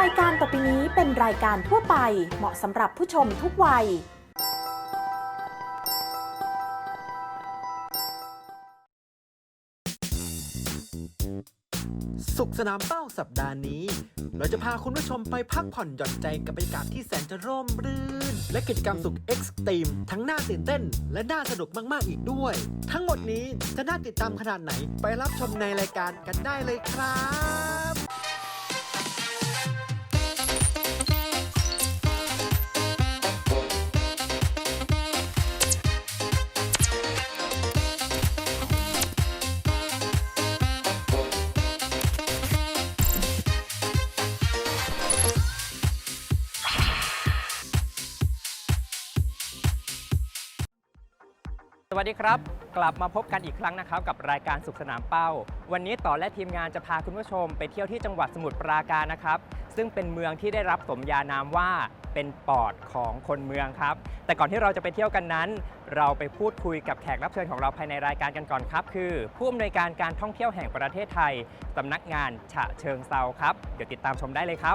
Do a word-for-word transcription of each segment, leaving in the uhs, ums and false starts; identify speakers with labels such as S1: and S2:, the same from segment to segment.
S1: ายการต่อไปนี้เป็นรายการทั่วไปเหมาะสำหรับผู้ชมทุกวัย
S2: สุขสนามเป้าสัปดาห์นี้เราจะพาคุณผู้ชมไปพักผ่อนหย่อนใจกับบรรยากาศที่แสนจะร่มรื่นและกิจกรรมสุขเอ็กซ์ตรีมทั้งน่าตื่นเต้นและน่าสนุกมากๆอีกด้วย ทั้งหมดนี้จะน่าติดตามขนาดไหนไปรับชมในรายการกันได้เลยครับ
S3: สวัสดีครับกลับมาพบกันอีกครั้งนะครับกับรายการสุขสนามเป้าวันนี้ต่อและทีมงานจะพาคุณผู้ชมไปเที่ยวที่จังหวัดสมุทรปราการนะครับซึ่งเป็นเมืองที่ได้รับสมญานามว่าเป็นปอดของคนเมืองครับแต่ก่อนที่เราจะไปเที่ยวกันนั้นเราไปพูดคุยกับแขกรับเชิญของเราภายในรายการกันก่อนครับคือผู้อำนวยการการท่องเที่ยวแห่งประเทศไทยสำนักงานฉะเชิงเทราครับเดี๋ยวติดตามชมได้เลยครับ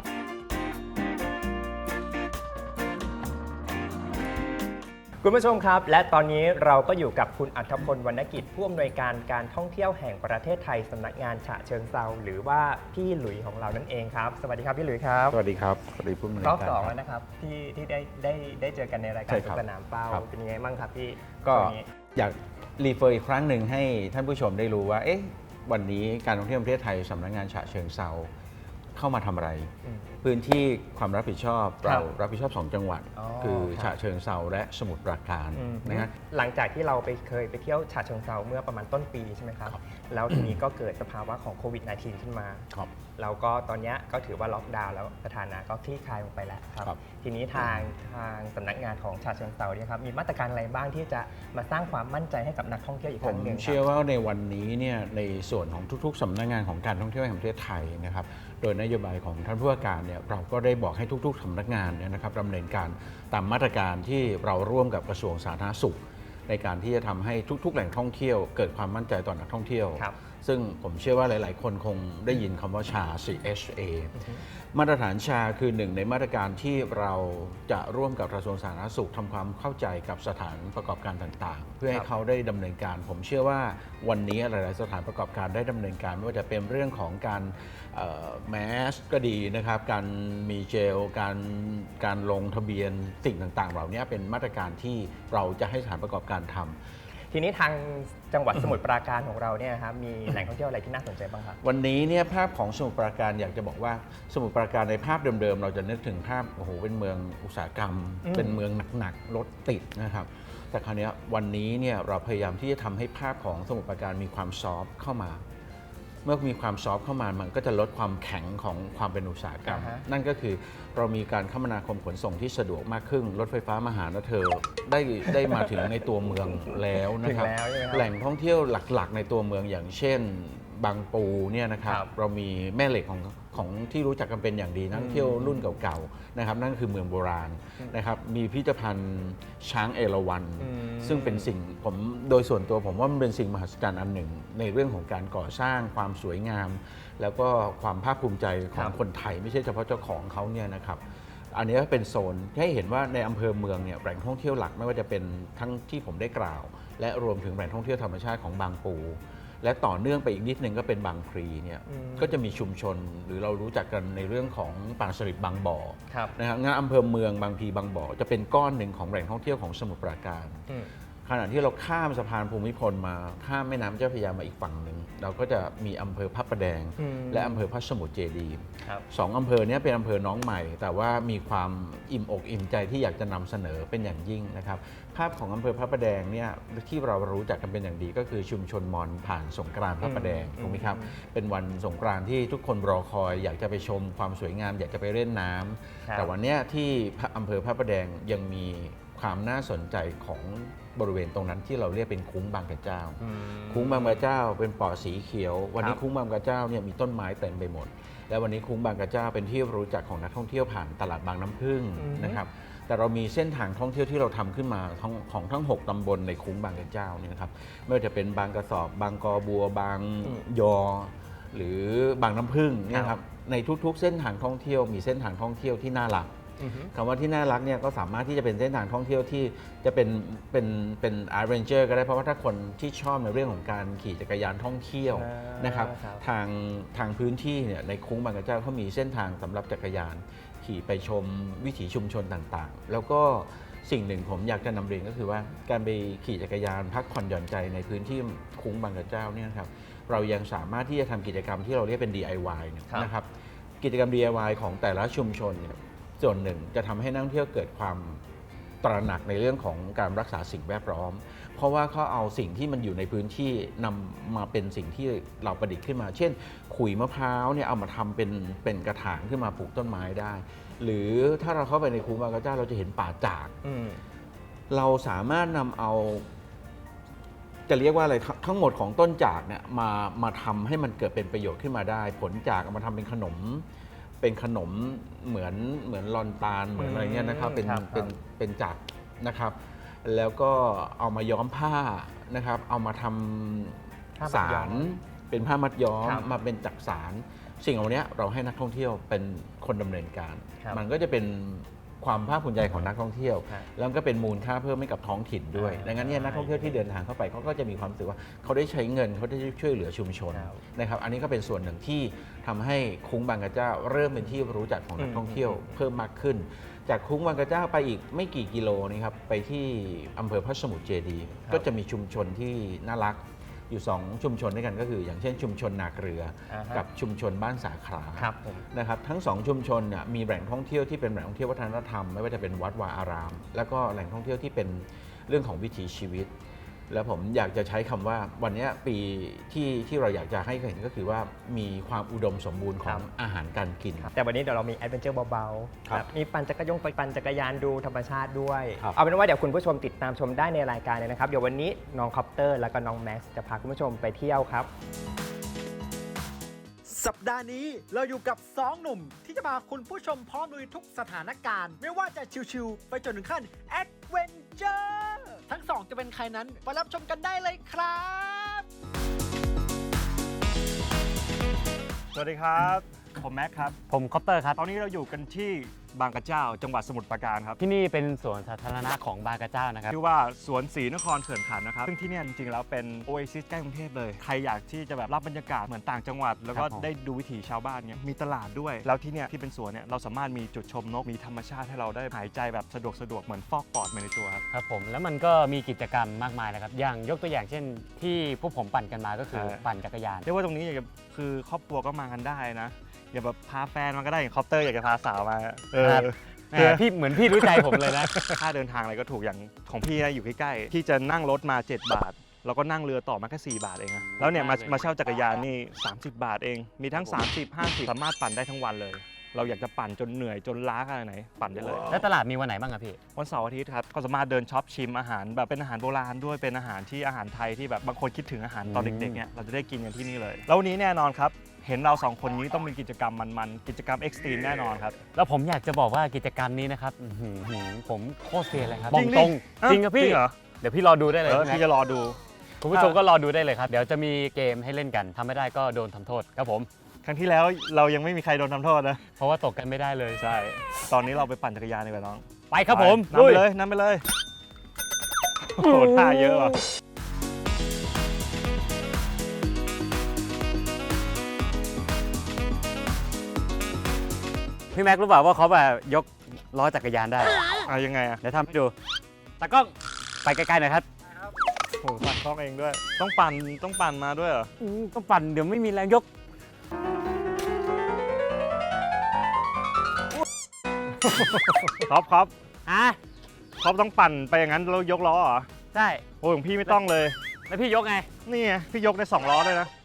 S3: คุณผู้ชมครับและตอนนี้เราก็อยู่กับคุณอัธพลวรรณกิจผู้อำนวยการการท่องเที่ยวแห่งประเทศไทยสำนักงานฉะเชิงเทราหรือว่าพี่หลุยของเรานั่นเองครับสวัสดีครับพี่หลุยครับ
S4: สวัสดีครับสวัสดีผู้อำนวยการ
S3: รอบสองแล้วนะครับที่ที่ได้ได้ได้เจอกันในรายการสุขสนามเป้าเป็นยังไงบ้างครับพี่
S4: ก็อยากรีเฟอร์อีกครั้งหนึ่งให้ท่านผู้ชมได้รู้ว่าเอ๊ะวันนี้การท่องเที่ยวประเทศไทยสำนักงานฉะเชิงเทราเข้ามาทำอะไรพื้นที่ความรับผิดชอบเรารับผิดชอบสองจังหวัดคือฉะเชิงเทราและสมุทรปราการนะฮะ
S3: หลังจากที่เราไปเคยไปเที่ยวฉะเชิงเทราเมื่อประมาณต้นปีใช่ไหมครับแล้วทีนี้ก็เกิดสภาวะของโควิด สิบเก้า ขึ้นมาแล้วก็ตอนนี้ก็ถือว่าล็อกดาวน์แล้วสถานะก็คลี่คลายลงไปแล้วครับทีนี้ทางทางสำนักงานของฉะเชิงเทราเนี่ยครับมีมาตรการอะไรบ้างที่จะมาสร้างความมั่นใจให้กับนักท่องเที่ยวอีกครั้งหนึ่ง
S4: ผมเชื่อว่าในวันนี้เนี่ยในส่วนของทุกๆสำนักงานของการท่องเที่ยวแห่งประเทศไทยนะครับโดยนโยบายของท่านผู้ว่าการเนี่ยเราก็ได้บอกให้ทุกๆสำนักงานเนี่ยนะครับดำเนินการตามมาตรการที่เราร่วมกับกระทรวงสาธารณสุขในการที่จะทำให้ทุกๆแหล่งท่องเที่ยวเกิดความมั่นใจต่อนักท่องเที่ยวซึ่งผมเชื่อว่าหลายๆคนคงได้ยินคำว่าชา ซี เอช เอ มาตรฐานชาคือหนึ่งในมาตรการที่เราจะร่วมกับกระทรวงสาธารณสุขทำความเข้าใจกับสถานประกอบการต่างๆเพื่อให้เขาได้ดำเนินการผมเชื่อว่าวันนี้หลายๆสถานประกอบการได้ดำเนินการไม่ว่าจะเป็นเรื่องของการแมสก็ดีนะครับการมีเจลการการลงทะเบียนสิ่งต่างๆเหล่านี้เป็นมาตรการที่เราจะให้สถานประกอบการทำ
S3: ทีนี้ทางจังหวัดสมุทรปราการของเราเนี่ยครับมีแหล่งท่องเที่ยวอะไรที่น่าสนใจบ้างครับ
S4: วันนี้เนี่ยภาพของสมุทรปราการอยากจะบอกว่าสมุทรปราการในภาพเดิมๆเราจะนึกถึงภาพโอ้โหเป็นเมืองอุตสาหกรรมเป็นเมืองหนักๆรถติดนะครับแต่คราวนี้วันนี้เนี่ยเราพยายามที่จะทำให้ภาพของสมุทรปราการมีความซอฟต์เข้ามาเมื่อมีความซอฟต์เข้ามามันก็จะลดความแข็งของความเป็นอุตสาหกรรม uh-huh. นั่นก็คือเรามีการคมนาคมขนส่งที่สะดวกมากขึ้นรถไฟฟ้ามาหานะเธอได้ได้มาถึงในตัวเมืองแล้วนะครับแหล่งท่องเที่ยวหลักๆในตัวเมืองอย่างเช่นบางปูเนี่ยนะครับเรามีแม่เหล็กของของที่รู้จักกันเป็นอย่างดีนักท่องเที่ยวรุ่นเก่าๆนะครับนั่นคือเมืองโบราณนะครับมีพิพิธภัณฑ์ช้างเอราวัณซึ่งเป็นสิ่งผมโดยส่วนตัวผมว่ามันเป็นสิ่งมหัศจรรย์อันหนึ่งในเรื่องของการก่อสร้างความสวยงามแล้วก็ความภาคภูมิใจของคนไทยไม่ใช่เฉพาะเจ้าของเขาเนี่ยนะครับอันนี้เป็นโซนให้เห็นว่าในอำเภอเมืองเนี่ยแหล่งท่องเที่ยวหลักไม่ว่าจะเป็นทั้งที่ผมได้กล่าวและรวมถึงแหล่งท่องเที่ยวธรรมชาติของบางปูและต่อเนื่องไปอีกนิดนึงก็เป็นบางพลีเนี่ยก็จะมีชุมชนหรือเรารู้จักกันในเรื่องของปางสลิดบางบ่อนะครับงานอำเภอเมืองบางพลีบางบ่อจะเป็นก้อนหนึ่งของแหล่งท่องเที่ยวของสมุทรปราการขณะที่เราข้ามสะพานภูมิพลมาข้ามแม่น้ำเจ้าพระยามาอีกฝั่งหนึ่งเราก็จะมีอำเภอพระประแดงและอำเภอพระสมุทรเจดีย์สองอำเภอนี้เป็นอำเภอน้องใหม่แต่ว่ามีความอิ่มอกอิ่มใจที่อยากจะนำเสนอเป็นอย่างยิ่งนะครับภาพของอำเภอพระประแดงเนี่ยที่เรารู้จักกันเป็นอย่างดีก็คือชุมชนมอญผ่านสงกรานต์พระประแดงถูกไหมครับเป็นวันสงกรานต์ที่ทุกคนรอคอยอยากจะไปชมความสวยงามอยากจะไปเล่นน้ำแต่วันนี้ที่อำเภอพระประแดงยังมีความน่าสนใจของบริเวณตรงนั้นที่เราเรียกเป็นคุ้งบางกระเจ้าคุ้งบางกระเจ้าเป็นป่อสีเขียววันนี้คุ้งบางกระเจ้าเนี่ยมีต้นไม้เต็มไปหมดและวันนี้คุ้งบางกระเจ้าเป็นที่รู้จักของนักท่องเที่ยวผ่านตลาดบางน้ำผึ้งนะครับแต่เรามีเส้นทางท่องเที่ยวที่เราทำขึ้นมาของทั้งหกตำบลในคุ้งบางกระเจ้าเนี่ยนะครับไม่ว่าจะเป็นบางกระสอบบางกอบัวบางยอหรือบางน้ำผึ้งเนี่ยครับในทุกๆ เส้นทางท่องเที่ยวมีเส้นทางท่องเที่ยวที่น่ารักคำว่าที่น่ารักเนี่ยก็สามารถที่จะเป็นเส้นทางท่องเที่ยวที่จะเป็นเป็นเป็นอาร์เรนเจอร์ก็ได้เพราะว่าถ้าคนที่ชอบในเรื่องของการขี่จักรยานท่องเที่ยวนะครับทางทางพื้นที่เนี่ยในคุ้งบางกระเจ้าเขามีเส้นทางสำหรับจักรยานขี่ไปชมวิถีชุมชนต่างๆแล้วก็สิ่งหนึ่งผมอยากจะนำเรียนก็คือว่าการไปขี่จักรยานพักผ่อนหย่อนใจในพื้นที่คุ้งบางกระเจ้าเนี่ยครับเรายังสามารถที่จะทำกิจกรรมที่เราเรียกเป็น ดี ไอ วาย นะครับกิจกรรม ดี ไอ วาย ของแต่ละชุมชนเนี่ยส่วนหนึ่งจะทำให้นักท่องเที่ยวเกิดความตระหนักในเรื่องของการรักษาสิ่งแวดล้อมเพราะว่าเขาเอาสิ่งที่มันอยู่ในพื้นที่นำมาเป็นสิ่งที่เราประดิษฐ์ขึ้นมาเช่นขุยมะพร้าวเนี่ยเอามาทำเป็นเป็นกระถางขึ้นมาปลูกต้นไม้ได้หรือถ้าเราเข้าไปในคุ้งบางกระเจ้าเราจะเห็นป่าจากเราสามารถนำเอาจะเรียกว่าอะไรทั้งหมดของต้นจากเนี่ยมามาทำให้มันเกิดเป็นประโยชน์ขึ้นมาได้ผลจากเอามาทำเป็นขนมเป็นขนมเหมือนเหมือนลอนตาลเหมือนอะไรเงี้ยนะครับเป็นเป็นเป็นจากนะครับแล้วก็เอามาย้อมผ้านะครับเอามาทำสารเป็นผ้ามัดย้อมมาเป็นจักสารสิ่งเหล่านี้เราให้นักท่องเที่ยวเป็นคนดำเนินการมันก็จะเป็นความภาคภูมิใจของนักท่องเที่ยวแล้วก็เป็นมูลค่าเพิ่มให้กับท้องถิ่นด้วยดังนั้นเนี่ยนักท่องเที่ยวที่เดินทางเข้าไปเขาก็จะมีความรู้สึกว่าเขาได้ใช้เงินเขาได้ช่วยเหลือชุมชนนะครับอันนี้ก็เป็นส่วนหนึ่งที่ทำให้คุ้งบางกระเจ้าเริ่มเป็นที่รู้จักของนักท่องเที่ยวเพิ่มมากขึ้นจากคุ้งบางกระเจ้าไปอีกไม่กี่กิโลนี่ครับไปที่อำเภอพระสมุทรเจดีย์ก็จะมีชุมชนที่น่ารักอยู่สองชุมชนด้วยกันก็คืออย่างเช่นชุมชนนาเกลือกับชุมชนบ้านสาขานะครับทั้งสองชุมชนเนี่ยมีแหล่งท่องเที่ยวที่เป็นแหล่งท่องเที่ยววัฒนธรรมไม่ว่าจะเป็นวัดวาอารามแล้วก็แหล่งท่องเที่ยวที่เป็นเรื่องของวิถีชีวิตแล้วผมอยากจะใช้คำว่าวันนี้ปีที่ที่เราอยากจะให้เห็นก็คือว่ามีความอุดมสมบูรณ์ของอาหารการกิน
S3: แต่วันนี้เดี๋ยวเรามีแอดเวนเจอร์เบาๆมีปั่นจักรยานไปปั่นจักรยานดูธรรมชาติด้วยเอาเป็นว่าเดี๋ยวคุณผู้ชมติดตามชมได้ในรายการเลยนะครับเดี๋ยววันนี้น้องคอปเตอร์แล้วก็น้องแม็กซ์จะพาคุณผู้ชมไปเที่ยวครับ
S2: สัปดาห์นี้เราอยู่กับสองหนุ่มที่จะพาคุณผู้ชมพร้อมลุยทุกสถานการณ์ไม่ว่าจะชิวๆไปจนถึงขั้นแอดเวนเจอร์ทั้งสองจะเป็นใครนั้นไปรับชมกันได้เลยครับ
S5: สวัสดีครับผมแม็กครับ
S6: ผมคอปเตอร์ครับ
S5: ตอนนี้เราอยู่กันที่บางกระเจ้าจังหวัดสมุทรปราการครับ
S6: ที่นี่เป็นสวนสาธารณะของบางกระเจ้านะครับ
S5: ชื่อว่าสวนศรีนครเขื่อนขันนะครับซึ่งที่นี่จริงๆแล้วเป็นโอเอซิสใกล้กรุงเทพเลยใครอยากที่จะแบบรับบรรยากาศเหมือนต่างจังหวัดแล้วก็ได้ดูวิถีชาวบ้านเนี่ยมีตลาดด้วยแล้วที่เนี่ยที่เป็นสวนเนี่ยเราสามารถมีจุดชมนกมีธรรมชาติให้เราได้หายใจแบบสะดวกสะดวกเหมือนฟอกปอดมาในตัวครับ
S6: ครับผมแล้วมันก็มีกิจกรรมมากมายนะครับอย่างยกตัวอย่างเช่นที่พวกผมปั่นกันมาก็คือปั่นจักรยาน
S5: เรียกว่าตรงนี้คือครอบครัวก็มากันได้นะอย่าแบบพาแฟนมาก็ได้อย่างคอปเตอร์อยากจะพาสาวมาเออ
S6: พี่เหมือนพี่รู้ใจผมเลยนะ
S5: ค่าเดินทางอะไรก็ถูกอย่างของพี่นะอยู่ใกล้ๆพี่จะนั่งรถมาเจ็ดบาทแล้วก็นั่งเรือต่อมาแค่สี่บาทเองนะแล้วเนี่ยมามาเช่าจักรยานนี่สามสิบบาทเองมีทั้งสามสิบ ห้าสิบสามารถปั่นได้ทั้งวันเลยเราอยากจะปั่นจนเหนื่อยจนล้าขนาดไหนปั่นได้เลย
S6: แล้วตลาดมีวันไหนบ้างครับพี่
S5: วันเสาร์อาทิตย์ครับก็สามารถเดินช็อปชิมอาหารแบบเป็นอาหารโบราณด้วยเป็นอาหารที่อาหารไทยที่แบบบางคนคิดถึงอาหารตอนเด็กๆเนี่ยเราจะได้กินกันที่นี่เลยแล้ววันนี้แน่นอนครับเห็นเราสองคนนี้ต้องมีกิจกรรมมันๆกิจกรรมเอ็กซ์ตรีมแน่นอนครับ
S6: แล้วผมอยากจะบอกว่ากิจกรรมนี้นะครับผมโคตรเฟียเลยครับบอกตรงจริงครับพี่เดี๋ยวพี่รอดูได้เลย
S5: พี่จะรอดู
S6: คุณผู้ชมก็รอดูได้เลยครับเดี๋ยวจะมีเกมให้เล่นกันทำไม่ได้ก็โดนทำโทษครับผม
S5: ครั้งที่แล้วเรายังไม่มีใครโดนทำโทษนะ
S6: เพราะว่าตกกันไม่ได้เลย
S5: ใช่ตอนนี้เราไปปั่นจักรยานดีกว่าน้อง
S6: ไปครับผม
S5: นำไปเลยนำไปเลยโอ้โหท่าเยอะว่ะ
S6: พี่แม็กรู้เปล่าว่าเขาแบบยกล้อจักรยานได้
S5: อ่ะยังไงอ่ะ
S6: เดี๋ยวทำให้ดูตากล้องไปไกลๆหน่อยครับ
S5: โอ้ปั่นคล้องเองด้วยต้องปั่นต้องปั่นมาด้วยเหรอ
S6: ต้องปั่นเดี๋ยวไม่มีแรงยก
S5: ครับครับ
S6: อ่ะ
S5: ครับต้องปั่นไปอย่างนั้นแล้วยกล้อเหรอ
S6: ใช่
S5: โอ้ยของพี่ไม่ต้องเลย
S6: แล้วพี่ยกไง
S5: นี่ไงพี่ยกได้สองล้อเลยนะ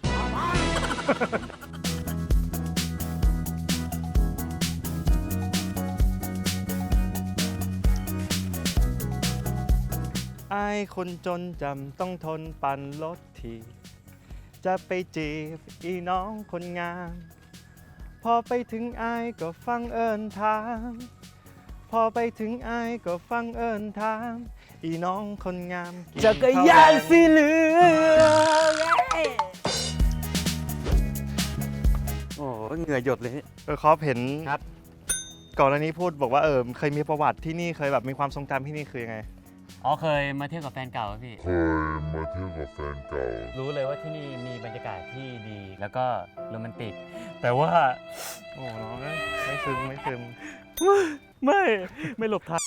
S5: ไอ้คนจนจำต้องทนปั่นรถทีจะไปจีบอีน้องคนงามพอไปถึงไอ้ก็ฟังเอิญถามพอไปถึงไอ้ก็ฟังเอิญถามอีน้องคนงาม
S6: จักรยานสีเหลืองโอ้ว่าเหงื่อหยดเลยเนี่ย
S5: เออคอปเห็น
S6: ครับ
S5: ก่อนหน้านี้พูดบอกว่าเออเคยมีประวัติที่นี่เคยแบบมีความทรงจำที่นี่คือยังไง
S6: อ๋อเคยมาเที่ยวกับแฟนเก่าครับพี่
S7: เคยมาเที่ยวกับแฟนเก่า
S6: รู้เลยว่าที่นี่มีบรรยากาศที่ดีแล้วก็โรแมนติก แต่ว่า
S5: โอ้น้องเอ้ยไม่ซึมไม่ซึม
S6: ไม่ไม่หลบทัน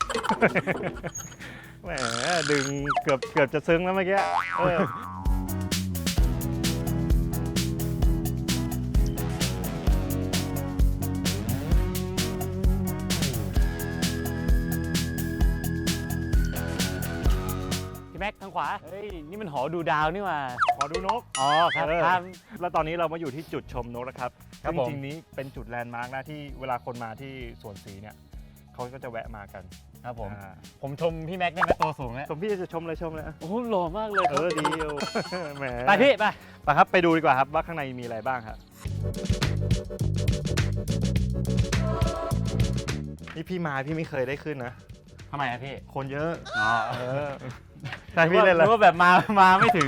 S5: แหมดึงเกือบเกือบจะซึ้งแล้วเมื่อกี้เออ
S6: พี่แม็กทางขวา เฮ้ย นี่มันหอดูดาวนี่หว่า
S5: ขอดูนก
S6: อ๋อครับ
S5: เออ
S6: ครับ
S5: แล้วตอนนี้เรามาอยู่ที่จุดชมนกนะครับ
S6: ครับ
S5: ซึ่ง
S6: ผม
S5: จริงๆนี้เป็นจุดแลนด์มาร์กนะที่เวลาคนมาที่สวนศรีเนี่ยเขาก็จะแวะมากัน
S6: ครับผม
S5: อ่า
S6: ผมชมพี่แม็กได้ไหมตัวสูงแล้ว
S5: ชมพี่จะชมเลยชมเลย
S6: โอ้โหหล่อมากเลยค
S5: เอ
S6: รับ
S5: อดีอยู่ แหม
S6: ไปพี่ไป
S5: ไปครับไปดูดีกว่าครับว่าข้างในมีอะไรบ้างครับนี่พี่มาพี่ไม่เคยได้ขึ้นนะ
S6: ทำไมอะพี่
S5: คนเยอะ
S6: อ๋อ
S5: เออใช่พี่เล่น
S6: ห
S5: แล้ว
S6: รือว่าแบบมามาไม่ถึง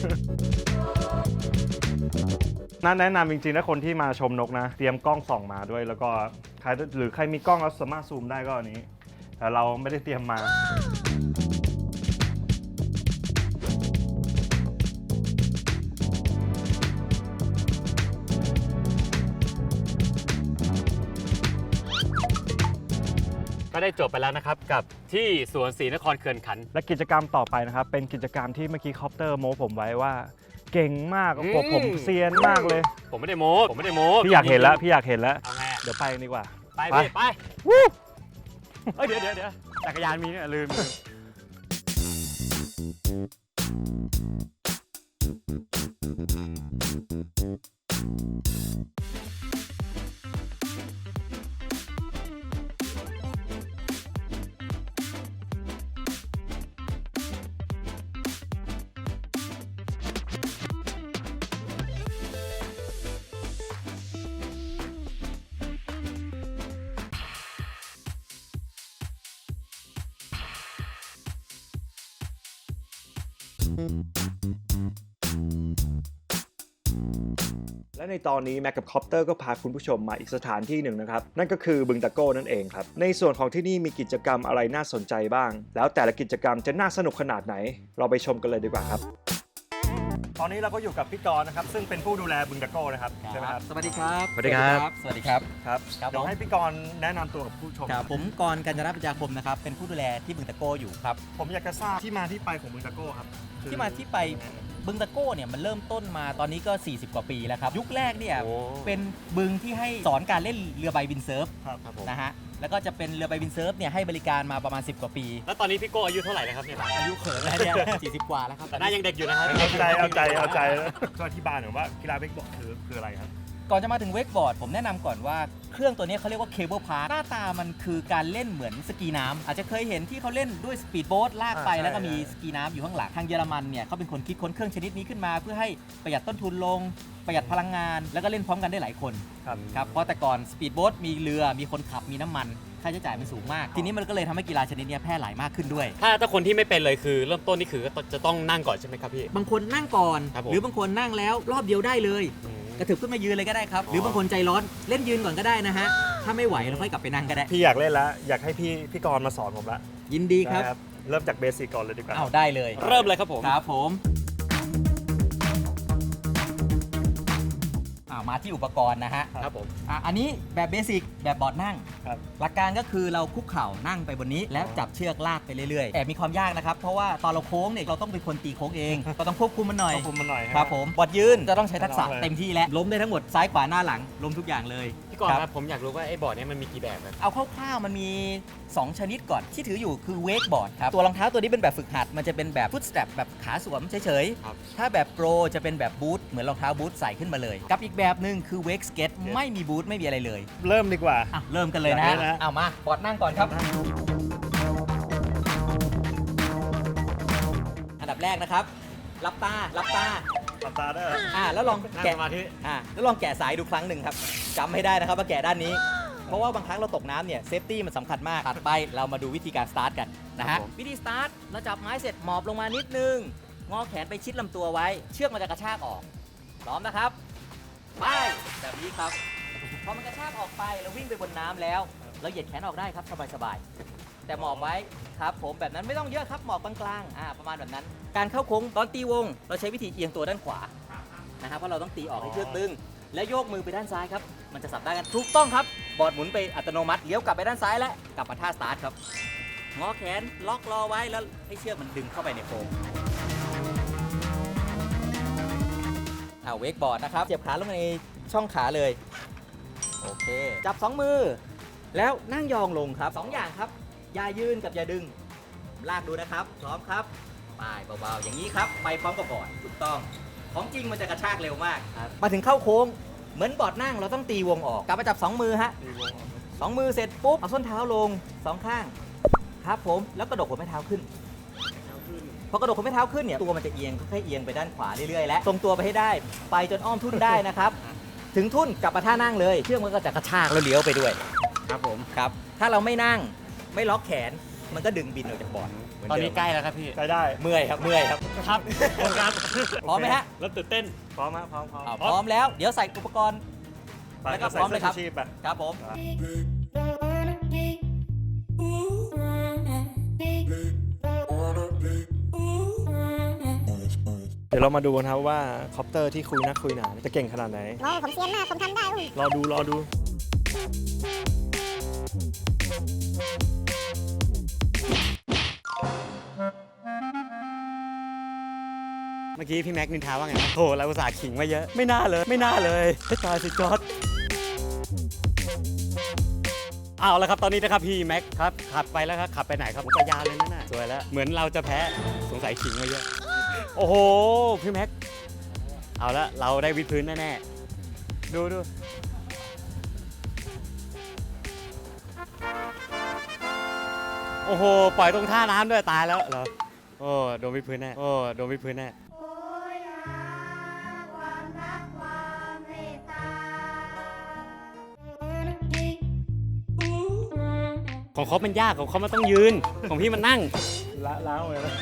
S5: น่าแนะนำจริงๆนะคนที่มาชมนกนะ เตรียมกล้องส่องมาด้วย แล้วก็ใครหรือใครมีกล้องแล้วสามารถซูมได้ก็อันนี้ แต่เราไม่ได้เตรียมมา
S6: ก็ได้จบไปแล้วนะครับกับที่สวนศรีนครเขื่อนขันธ์
S5: และกิจกรรมต่อไปนะครับ เป็นกิจกรรมที่เมื่อกี้คอปเตอร์โม้ผมไว้ว่า เก่งมาก
S6: อืม
S5: ผมผมเซียนมากเลย
S6: ผมไม่ได้โม้ผมไม่ได้โม้
S5: พี่อยากเห็นแล้วพี่อยากเห็นแล้ว
S6: เอาไงอะ
S5: เดี๋ยวไปดีกว่า
S6: ไป
S5: ไป
S6: พี่ไปวู้เอ้ยเดี๋ยวเดี๋ยวเดี๋ยวจักรยานมีเนี่ยลืมลืม
S5: และในตอนนี้แม็กกับคอปเตอร์ก็พาคุณผู้ชมมาอีกสถานที่หนึ่งนะครับ นั่นก็คือบึงตะโก้นั่นเองครับ ในส่วนของที่นี่มีกิจกรรมอะไรน่าสนใจบ้าง แล้วแต่ละกิจกรรมจะน่าสนุกขนาดไหน เราไปชมกันเลยดีกว่าครับ ตอนนี้เราก็อยู่กับพี่กรณ์นะครับซึ่งเป็นผู้ดูแลบึงตะโก้นะครับใช่ไหมครับ
S8: สวัสดีครับ
S6: สวัสดีครับ
S8: สวัสดีครับ
S5: ครับ
S8: ครับ
S5: เดี๋ยว
S8: ผม
S5: ให้พี่กรณ์แนะนำตัวกับผู้ชม
S8: ครับผมกรณ์กัญจนาปัญญาคมนะครับ เป็นผู้ดูแลที่บึงตะโก้อยู่ครับ
S5: ผมอยากจะทราบที่มาที่ไปของบึงตะโก้ครับคือ
S8: ที่มาที่ไปบึงตะโก้เนี่ยมันเริ่มต้นมาตอนนี้ก็ สี่สิบ กว่าปีแล้วครับ ยุคแรกเนี่ย
S6: โอ้
S8: เป็นบึงที่ให้สอนการเล่นเรือใบวินเซิร์ฟ
S5: ครับครับผม
S8: นะฮะ แล้วก็จะเป็นเรือใบวินเซิร์ฟเนี่ยให้บริการมาประมาณ สิบ กว่าปี
S6: แล้วตอนนี้พี่โก้อายุเท่าไหร่แล้วครับเนี่ย
S8: อายุเขินแล้วเนี่ย สี่สิบ กว่าแล้วครับ
S6: แต่หน้ายังเด็กอยู่นะครับ
S5: เอาใจเอาใจเอาใจก็อธิบายหน่อยว่ากีฬาเบสบอลคือคืออะไรครับ
S8: ก่อนจะมาถึงเวกบอร์ดผมแนะนำก่อนว่าเครื่องตัวนี้เขาเรียกว่าเคเบิลพาร์หน้าตามันคือการเล่นเหมือนสกีน้ำอาจจะเคยเห็นที่เขาเล่นด้วยสปีดโบ๊ทลากไป
S5: อ่าใช่
S8: แล้วก็มีสกีน้ำอยู่ข้างหลังทางเยอรมันเนี่ยเขาเป็นคนคิดค้นเครื่องชนิดนี้ขึ้นมา เพื่อให้ประหยัดต้นทุนลงประหยัดพลังงาน แล้วก็เล่นพร้อมกันได้หลายคน
S5: ครับ
S8: ครับเพราะแต่ก่อนสปีดโบ๊ทมีเรือมีคนขับมีน้ำมันค่าใช้จ่ายมันสูงมาก ทีนี้มันก็เลยทำให้กีฬาชนิดนี้แพร่หลายมากขึ้นด้วย
S6: ถ้าถ้าคนที่ไม่เป็นเลยคือเริ่มต้นนี่คือจะต้องนั่งก่อนใช่ไหมครับพี่
S8: บางคนนั่งก่อน
S6: ครับผม
S8: หรือบางคนนั่งแล้วรอบเดียวได้เลย กระเถิบขึ้นมายืนเลยก็ได้ครับ หรือบางคนใจร้อนเล่นยืนก่อนก็ได้นะฮะ ถ้าไม่ไหวเราค่อยกลับไปนั่งก็ได้
S5: พี่อยากเล่นแล้วอยากให้พี่พี่กรณ์มาสอนผมละ
S8: ยินดีครับ
S5: นะเริ่มจากเบสิกก่อนเลยดีกว่า
S8: เอาได้เลย
S6: เริ่มเลยครับผม
S8: ครับผมอ่ามาที่อุปกรณ์นะฮะ
S6: ครับผม
S8: อ่ะอันนี้แบบเบสิกแบบบอร์ดนั่ง
S5: ครับ
S8: หลักการก็คือเราคุกเข่านั่งไปบนนี้ แล้วจับเชือกลากไปเรื่อยๆ แต่มีความยากนะครับ เพราะว่าตอนเราโค้งเนี่ยเราต้องเป็นคนตีโค้งเอง เราต้องควบคุมมันหน่อย
S5: ควบคุมมันหน่อย
S8: ครับผมบอร์ดยืนจะต้องใช้ทักษะ
S5: ไม่ต้องเลย
S8: เต็มที่แล้วล้มได้ทั้งหมดซ้ายขวาหน้าหลังล้มทุกอย่างเลย
S6: พี่กรณ์ครับผมอยากรู้ว่าไอ้บอร์ดเนี้มันมีกี่แบบครับ
S8: เอาคร่าวๆมันมี สอง ชนิดก่อนที่ถืออยู่คือเวกบอร์ดครับตัวรองเท้าตัวนี้เป็นแบบฝึกหัดมันจะเป็นแบบฟุตสแตรปแบบขาสวมเฉย
S6: ครับ
S8: ๆถ้าแบบโปรจะเป็นแบบบูทเหมือนรองเท้าบูทใส่ขึ้นมาเลยกับอีกแบบหนึ่งคือเวกสเก็ตไม่มีบูทไม่มีอะไรเลย
S5: เริ่มดีกว่า
S8: อ่ะเริ่มกันเลยนะ
S5: อยากเล่นนะ
S8: เอามาบอร์ดนั่งก่อนครับ อันดับแรกนะครับหลับตาหลับตา
S5: หลับตาได้เหรอ
S8: อ่าแล้วลอง
S6: นั่ง
S8: แกะ
S6: สมาธิ
S8: อ่าแล้วลองแกะสายดูครั้งหนึ่งครับจำให้ได้นะครับว่าแกะด้านนี้ เพราะว่าบางครั้งเราตกน้ำเนี่ยเซฟตี้มันสำคัญมากถัดไปเรามาดูวิธีการสตาร์ทกันนะฮะวิธีสตาร์ทเราจับไม้เสร็จหมอบลงมานิดนึงงอแขนไปชิดลำตัวไว้ เชือกมันจะกระชากออกพร้อมนะครับ ไปไปแบบนี้ครับพอมันกระชากออกไปแล้ววิ่งไปบนน้ำแล้วเราเหยียดแขนออกได้ครับสบายๆแต่หมอบไว้ครับผมแบบนั้นไม่ต้องเยอะครับหมอบกลางๆอ่าประมาณแบบนั้นการเข้าโค้งตอนตีวงเราใช้วิธีเอียงตัวด้านขวานะครับเพราะเราต้องตีออกให้เชือกตึงแล้วโยกมือไปด้านซ้ายครับมันจะสับได้กันถูกต้องครับบอร์ดหมุนไปอัตโนมัติเลี้ยวกลับไปด้านซ้ายและกลับมาท่าสตาร์ทครับงอแขนล็อกรอไว้แล้วให้เชือกมันดึงเข้าไปในโฟมเอาเวกบอร์ดนะครับเจ็บขาลงในช่องขาเลยโอเคจับสองมือแล้วนั่งยองลงครับสองอย่างครับอย่ายืนกับอย่าดึงลากดูนะครับพร้อมครับไปเบาๆอย่างนี้ครับไปพร้อมกับบอร์ดถูกต้องของจริงมันจะกระชากเร็วมากมาถึงเข้าโค้งเหมือนบอร์ดนั่งเราต้องตีวงออกกลับมาจับสองมือฮะสองมือเสร็จปุ๊บเอาส้นเท้าลงสองข้างครับผมแล้วกระดกหัวแม่เท้าขึ้นพอกระดกหัวแม่เท้าขึ้นเนี่ยตัวมันจะเอียงค่อยๆเอียงไปด้านขวาเรื่อยๆและทรงตัวไปให้ได้ไปจนอ้อมทุ่นได้นะครับถึงทุ่นกลับมาท่านั่งเลยเชือกมันก็จะกระชากแล้วเลี้ยวไปด้วยครับผมครับถ้าเราไม่นั่งไม่ล็อกแขนมันก็ดึงบินออกจากบอร์ด
S6: ตอนนี้ใกล้แล้วครับพี่
S5: ใกล้ได้
S8: เมื่อยครับเมื่อยครับ
S6: ครับครับ
S8: พร้อมไหมฮะ
S5: แล้วตื่นเต้นพร้อมฮะพร้อมพร้อม
S8: อ่าพร้อมแล้วเดี๋ยวใส่อุปกรณ์
S5: ไป
S8: แล้วก็พร้อมเลยครับ
S5: ใส่สื้ชูชีพไป
S8: ครับผม
S5: เดี๋ยวเรามาดูกันครับว่าคอปเตอร์ที่คุยนักคุยหนาจะเก่งขนาดไหน
S9: โอ้ผมเซียนมาก ผมทำได้อุ้ย
S5: รอดูรอดู
S6: เมื่อกี้พี่แม็กนินทาว่าไงนะโอ้เราอุตส่าห์ขิงมาเยอะ ไม่น่าเลย ไม่น่าเลยให้ตายสิจอร์ดเอาละครับตอนนี้นะครับพี่แม็กครับขับไปแล้วครับขับไปไหนครับอุทยานเลยนั่นน่ะสวยแล้วเหมือนเราจะแพ้สงสัยขิงมาเยอะโอ้โหพี่แม็กเอาละเราได้วิดพื้นแน่ๆดูดูโอ้โหปล่อยตรงท่าน้ำด้วยตายแล้วเหรอโอ้โดนวิดพื้นแน่โอ้โดนวิดพื้นแน่ของเขามันยากของเขามันต้องยืนของพี่มันนั่ง
S5: ละล้างเลยนะ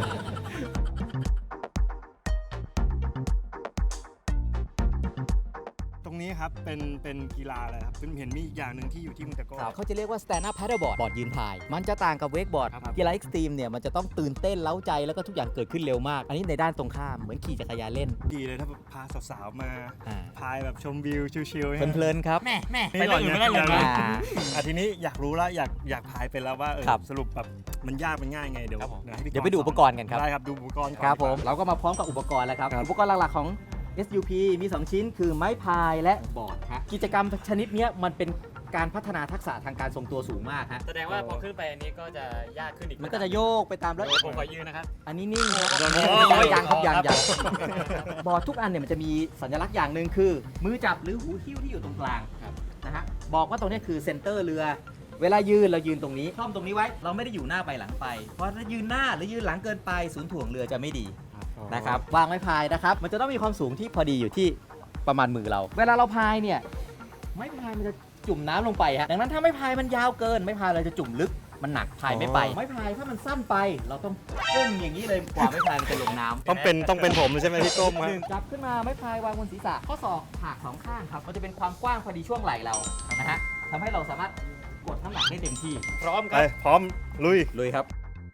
S5: ตรงนี้ครับเป็นเป็นกีฬาอะไรครับเป็นเห็นมีอีกอย่างหนึ่งที่อยู่ที่มุนตะโก้
S8: เขาจะเรียกว่า stand up paddleboard บอร์ดยืนพาย มันจะต่างกับเวกบอร์ด
S5: ครับ
S8: กีฬาเอ็กซ์ตรีมเนี่ยมันจะต้องตื่นเต้นเล้าใจแล้วก็ทุกอย่างเกิดขึ้นเร็วมาก อันนี้ในด้านตรงข้ามเหมือนขี่จักรยานเล่น
S5: ดีเลยถ้าพาสาวๆมา
S8: อ่า
S5: พายแบบชมวิวชิลๆ
S8: เพลินๆครับแม่แม่
S6: ไปเรื่องอื่นไม่ได้เลยนะ
S8: อ่า
S5: อ่ะทีนี้อยากรู้แล้วอยากอยากพายเป็นแล้วว่าเออ
S8: ครับ
S5: สรุปแบบมันยากมันง่ายไงเดี๋ยว
S6: ครับผม
S5: ให้พี่
S8: เดี๋ยวไปดูอุปกรณ์กันครับ
S5: ได้ครับดูอุปกรณ์ก่อน
S8: ครับผม
S5: ดีกว่า
S8: เราก็มาพร้อมกับอุปกรณ์แล้วครับ
S5: ครับ
S8: อุปกรณ์หลักๆของ เอส ยู พี มี สอง ชิ้นคือไม้พายและบอร์ดฮะกิจกรรมชนิดเนี้ยมันเป็นการพัฒนาทักษะทางการทรงตัวสูงมากฮะ
S6: แสดงว่าพอขึ้นไปอันนี้ก็จะยากขึ้นอีก
S8: มันก็จะโยกไปตามแล้ว
S6: ผมขอยืนนะครับ
S8: อันนี้นิ่งครับ
S6: โอ้ย
S8: ยังครับยัง
S6: ครั
S8: ยั
S6: บ
S8: งบอร์ดทุกอันเนี่ยมันจะมีสัญลักษณ์อย่างหนึ่งคือ มือจับหรือหูหิ้วที่อยู่ตรงกลางนะฮะบอกว่าตรงนี้คือเซนเตอร์เรือ เวลายืนเรายืนตรงนี้คล่อมตรงนี้ไว้เราไม่ได้อยู่หน้าไปหลังไป เพราะถ้ายืนหน้าหรือยืนหลังเกินไปศูนย์ถ่วงเรือจะไม่ดีนะครับวางไม้พายนะครับมันจะต้องมีความสูงที่พอดีอยู่ที่ประมาณมือเรา เวลาเราพายเนี่ยไม้พายมันจะจุ่มน้ำลงไปฮะดังนั้นถ้าไม้พายมันยาวเกินไม้พายเราจะจุ่มลึกมันหนักพายไม่ไปไม้พายถ้ามันสั้นไป เราต้องก้มอย่างนี้เลยกว่าไม้พายมันจะลงน้ำ
S5: ต้องเป็นต้องเป็นผมเลยใช่ไหมที่ก้มครับ
S8: หนึ่งจับขึ้นมาไม้พายวางบนศีรษะข้อศอกหักสองข้างครับมันจะเป็นความกว้างพอดีช่วงไหล่เรานะฮะทำให้เราสามารถกดน้ำหนักได้เต็มที่
S6: พร้อมค
S5: ไป
S6: รับ
S5: พร้อมลุย
S8: เลยครับ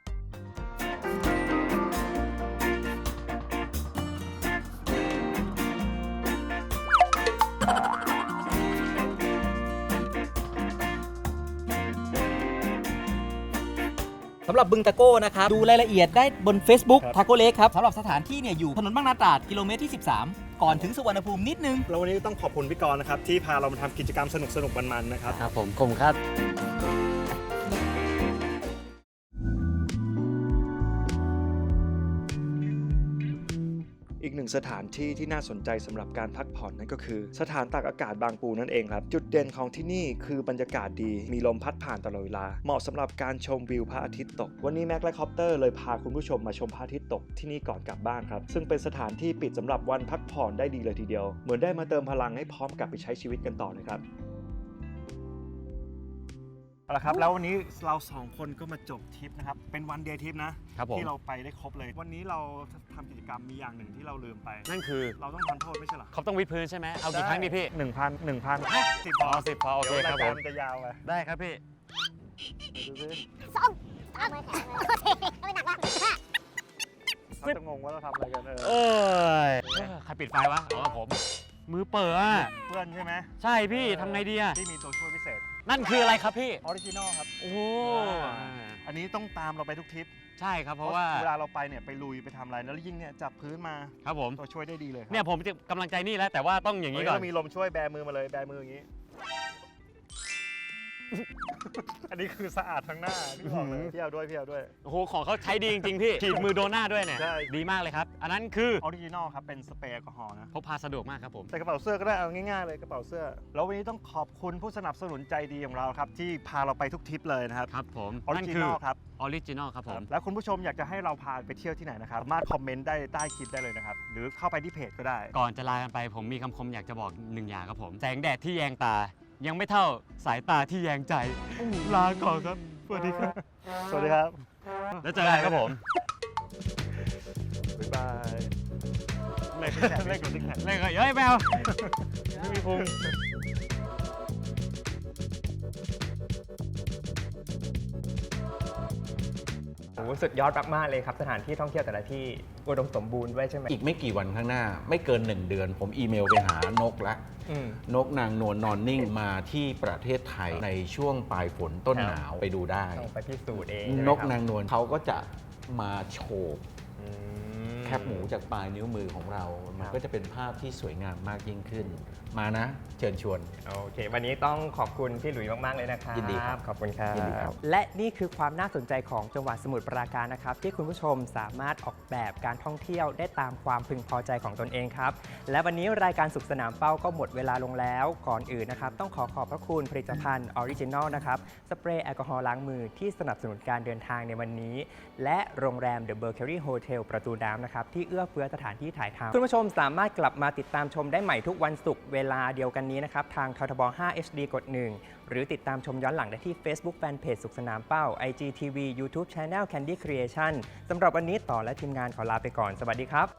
S8: สำหรับบึงตะโก้นะครับ ดูรายละเอียดได้บน Facebook
S5: ครับ
S8: ทาโก้เล็กครับสำหรับสถานที่เนี่ยอยู่ถนนบางนาตราดกิโลเมตรที่ สิบสาม ก่อนถึงสุวรรณภูมินิดนึง
S5: แล้ววันนี้ต้องขอบคุณพี่กรณ์นะครับที่พาเรามาทำกิจกรรมสนุกสนุกๆมันๆนะครับ
S6: ครับผมผมครับ
S5: อีกหนึ่งสถานที่ที่น่าสนใจสำหรับการพักผ่อนนั่นก็คือ สถานตากอากาศบางปูนั่นเองครับจุดเด่นของที่นี่คือบรรยากาศดีมีลมพัดผ่านตลอดเวลาเหมาะสำหรับการชมวิวพระอาทิตย์ตกวันนี้แม็กและคอปเตอร์เลยพาคุณผู้ชมมาชมพระอาทิตย์ตกที่นี่ก่อนกลับบ้านครับซึ่งเป็นสถานที่ปิดสำหรับวันพักผ่อนได้ดีเลยทีเดียวเหมือนได้มาเติมพลังให้พร้อมกลับไปใช้ชีวิตกันต่อเลยครับเอาละครับแล้ววันนี้เราสองคนก็มาจบทริปนะครับเป็นวันเดย์ทริปนะครับ
S6: ผม
S5: ที่เราไปได้ครบเลย วันนี้เราทำกิจกรรมมีอย่างหนึ่งที่เราลืมไป
S6: นั่นคือ
S5: เราต้องทำโทษไม่ใช่เหรอ
S6: เขาต้องวิดพื้นใช่ไหมเอากี่ครั้งดีพี่
S5: หนึ่งพันหนึ่งพันสิบพ
S6: อ๋
S5: อ
S6: อสิบพอโอเค
S5: ดี๋ยว
S6: ครับ
S5: ราย
S6: ผ
S5: การ
S6: ม
S5: มันจะยาวไป
S6: ได้ครับพี่
S5: ดูสิ
S9: สองสามมือแข็งเลยโอเคไม่หนักมาก
S5: เขาจะงงว่าเราทำอะไรกันเออ
S6: เอ้ยใครปิดไฟวะอ๋อผม มือเปิดอ่ะ
S5: เพื่อนใช่ไหม
S6: ใช่พี่ทำไงดีอ่ะ
S5: ที่มีตัวช่วยพิเศษ
S6: นั่นคืออะไรครับพี่
S5: ออริจินอลครับ
S6: โอ้โห
S5: อันนี้ต้องตามเราไปทุกทริป
S6: ใช่ครับเพราะว่า
S5: เวลาเราไปเนี่ยไปลุยไปทำอะไรแล้วยิ่งเนี่ยจับพื้นมา
S6: ครับผม
S5: ตัวช่วยได้ดีเลยครับ
S6: เนี่ยผมจะกำลังใจนี่แล้วแต่ว่าต้องอย่าง
S5: นี้
S6: นี้ก่อน
S5: เรามีลมช่วยแบมือมาเลยแบมืออย่างนี้ อันนี้คือสะอาดทั้งหน้าพี่บอกเลยพี่เอาด้วยพี่เอาด้วย
S6: โอ้โหของเขาใช้ดีจริงๆพี่ฉีดมือโดนหน้าด้วยเนี่ย
S5: ใช่
S6: ดีมากเลยครับ อันนั้นคือ
S5: ออริจินอลครับเป็นสเปรย์แอลกอฮอล์นะ
S6: พกพาสะดวกมากครับผม
S5: ใส่กระเป๋าเสื้อก็ได้เอาง่ายๆเลยกระเป๋าเสื้อแล้ววันนี้ต้องขอบคุณผู้สนับสนุนใจดีของเราครับที่พาเราไปทุกทริปเลยนะครับ
S6: ครับผม
S5: ออริ
S6: นั่น
S5: จิ
S6: คื
S5: น
S6: อ
S5: อลครับ
S6: ออริจินอลครับผม
S5: แล้วคุณผู้ชมอยากจะให้เราพาไปเที่ยวที่ไหนนะครับสามารถคอมเมนต์ได้ใต้คลิปได้เลยนะครับหรือเข้าไปที่เพจก็ได้
S6: ก่อนจะลากันไปผมมีคำคมอยากจะบอกหนึ่งอย่างครับผม แสงแดดที่แยงตา ยังไม่เท่าสายตาที่แยงใจ ลาก่อนครับ สวัสดีครับ
S5: สวัสดีครับ
S6: แล้วเจอกันครับผม
S5: บ๊ายบายเล่นแข่งเล่นกับซิกแพค
S6: เล่นก็เฮ้ยแมวไม่มีพุง
S3: โอ้โหสุดยอดมากๆเลยครับสถานที่ท่องเที่ยวแต่ละที่อุดมสมบูรณ์ด้วยใช่ไหม
S4: อีกไม่กี่วันข้างหน้า ไม่เกิน หนึ่ง เดือน ผมอีเมลไปหานกละ
S3: อืม
S4: นกนางนวลนอนนิ่งมาที่ประเทศไทยในช่วงปลายฝนต้น
S3: ครับ
S4: หนาวไปดูได้
S3: ต้องไปพิสูจน์เอง
S4: นกนางนวลเขาก็จะมาโชว์
S3: อืม
S4: แคบหมูจากปลายนิ้วมือของเรา มัน
S3: ครับ
S4: ก็จะเป็นภาพที่สวยงามมากยิ่งขึ้น มานะ เชิญชวน
S3: โอเค วันนี้ต้องขอบคุณพี่หลุยส์มาก ๆ เลยนะครับ
S4: ยินดีครับ
S3: ขอบคุณครับ
S4: ยินดีครับ
S3: และนี่คือความน่าสนใจของจังหวัดสมุทรปราการนะครับ ที่คุณผู้ชมสามารถออกแบบการท่องเที่ยวได้ตามความพึงพอใจของตนเองครับ และวันนี้รายการสุขสนามเป้าก็หมดเวลาลงแล้ว ก่อนอื่นนะครับ ต้องขอขอบพระคุณผลิตภัณฑ์ออริจินอลนะครับ สเปรย์แอลกอฮอล์ล้างมือที่สนับสนุนการเดินทางในวันนี้ และโรงแรม The Mercury Hotel ประตูน้ำนะครับที่เอื้อเฟื้อสถานที่ถ่ายทำคุณผู้ชมสามารถกลับมาติดตามชมได้ใหม่ทุกวันศุกร์เวลาเดียวกันนี้นะครับทางททบ ห้า เอช ดี กด หนึ่ง หรือติดตามชมย้อนหลังได้ที่ Facebook Fanpage สุขสนามเป้า ไอ จี ที วี YouTube Channel Candy Creation สำหรับวันนี้ต่อและทีมงานขอลาไปก่อนสวัสดีครับ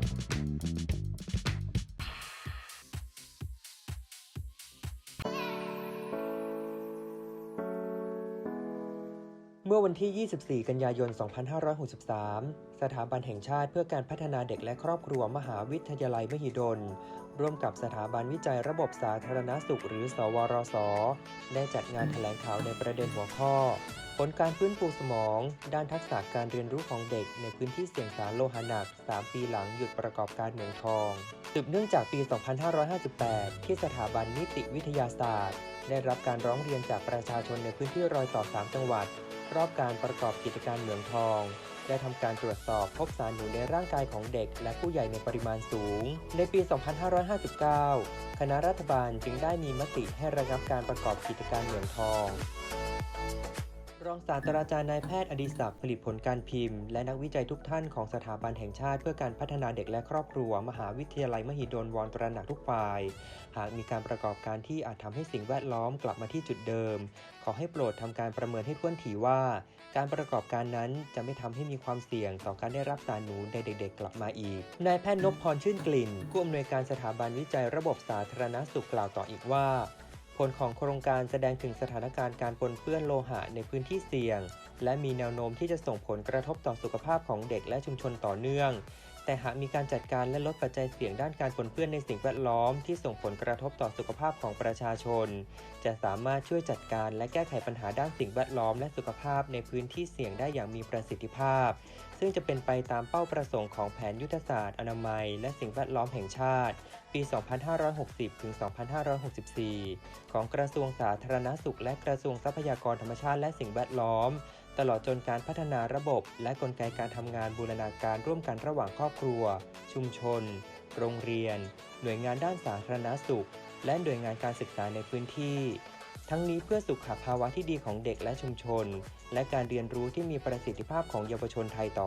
S10: เมื่อวันที่ ยี่สิบสี่ กันยายน สองพันห้าร้อยหกสิบสาม สถาบันแห่งชาติเพื่อการพัฒนาเด็กและครอบครัวมหาวิทยาลัยมหิดล ร่วมกับสถาบันวิจัยระบบสาธารณสุขหรือ สวรส ได้จัดงานแถลงข่าวในประเด็นหัวข้อ ผลการฟื้นฟูสมอง ด้านทักษะการเรียนรู้ของเด็กในพื้นที่เสี่ยงสารโลหะหนัก สาม ปีหลังหยุดประกอบการเหมืองทอง สืบเนื่องจากปี สองพันห้าร้อยห้าสิบแปด ที่สถาบันนิติวิทยาศาสตร์ ได้รับการร้องเรียนจากประชาชนในพื้นที่รอยต่อ สาม จังหวัด รอบการประกอบกิจการเหมืองทอง ได้ทำการตรวจสอบพบสารหนูในร่างกายของเด็กและผู้ใหญ่ในปริมาณสูง ในปี สองพันห้าร้อยห้าสิบเก้า คณะรัฐบาลจึงได้มีมติให้ระงับการประกอบกิจการเหมืองทอง รองศาสตราจารย์นายแพทย์อดิศักดิ์ผลิตผลการพิมพ์และนักวิจัยทุกท่านของสถาบันแห่งชาติเพื่อการพัฒนาเด็กและครอบครัวมหาวิทยาลัยมหิดลวอนตระหนักทุกฝ่าย หากมีการประกอบการที่อาจทำให้สิ่งแวดล้อมกลับมาที่จุดเดิม ขอให้โปรดทำการประเมินให้ถ้วนถี่ว่า การประกอบการนั้นจะไม่ทำให้มีความเสี่ยงต่อการได้รับสารหนูในเด็กๆกลับมาอีกนายแพทย์นพพรชื่นกลิ่นผู้อำนวยการสถาบันวิจัยระบบสาธารณสุขกล่าวต่ออีกว่าผลของโครงการแสดงถึงสถานการณ์การปนเปื้อนโลหะในพื้นที่เสี่ยงและมีแนวโน้มที่จะส่งผลกระทบต่อสุขภาพของเด็กและชุมชนต่อเนื่องแต่หากมีการจัดการและลดปัจจัยเสี่ยงด้านการปนเปื้อนในสิ่งแวดล้อมที่ส่งผลกระทบต่อสุขภาพของประชาชนจะสามารถช่วยจัดการและแก้ไขปัญหาด้านสิ่งแวดล้อมและสุขภาพในพื้นที่เสี่ยงได้อย่างมีประสิทธิภาพซึ่งจะเป็นไปตามเป้าประสงค์ของแผนยุทธศาสตร์อนามัยและสิ่งแวดล้อมแห่งชาติปี สองพันห้าร้อยหกสิบ ถึง สองพันห้าร้อยหกสิบสี่ ของกระทรวงสาธารณสุขและกระทรวงทรัพยากรธรรมชาติและสิ่งแวดล้อมตลอดจนการพัฒนาระบบและกลไกการทำงานบูรณาการร่วมกันระหว่างครอบครัวชุมชนโรงเรียนหน่วยงานด้านสาธารณสุขและหน่วยงานการศึกษาในพื้นที่ทั้งนี้เพื่อสุขภาวะที่ดีของเด็กและชุมชนและการเรียนรู้ที่มีประสิทธิภาพของเยาวชนไทยต่อ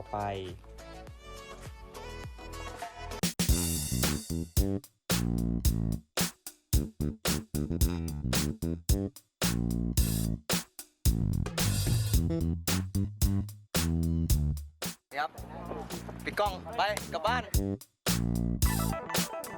S10: ไป
S8: ครับปิดกล้องไปกลับบ้าน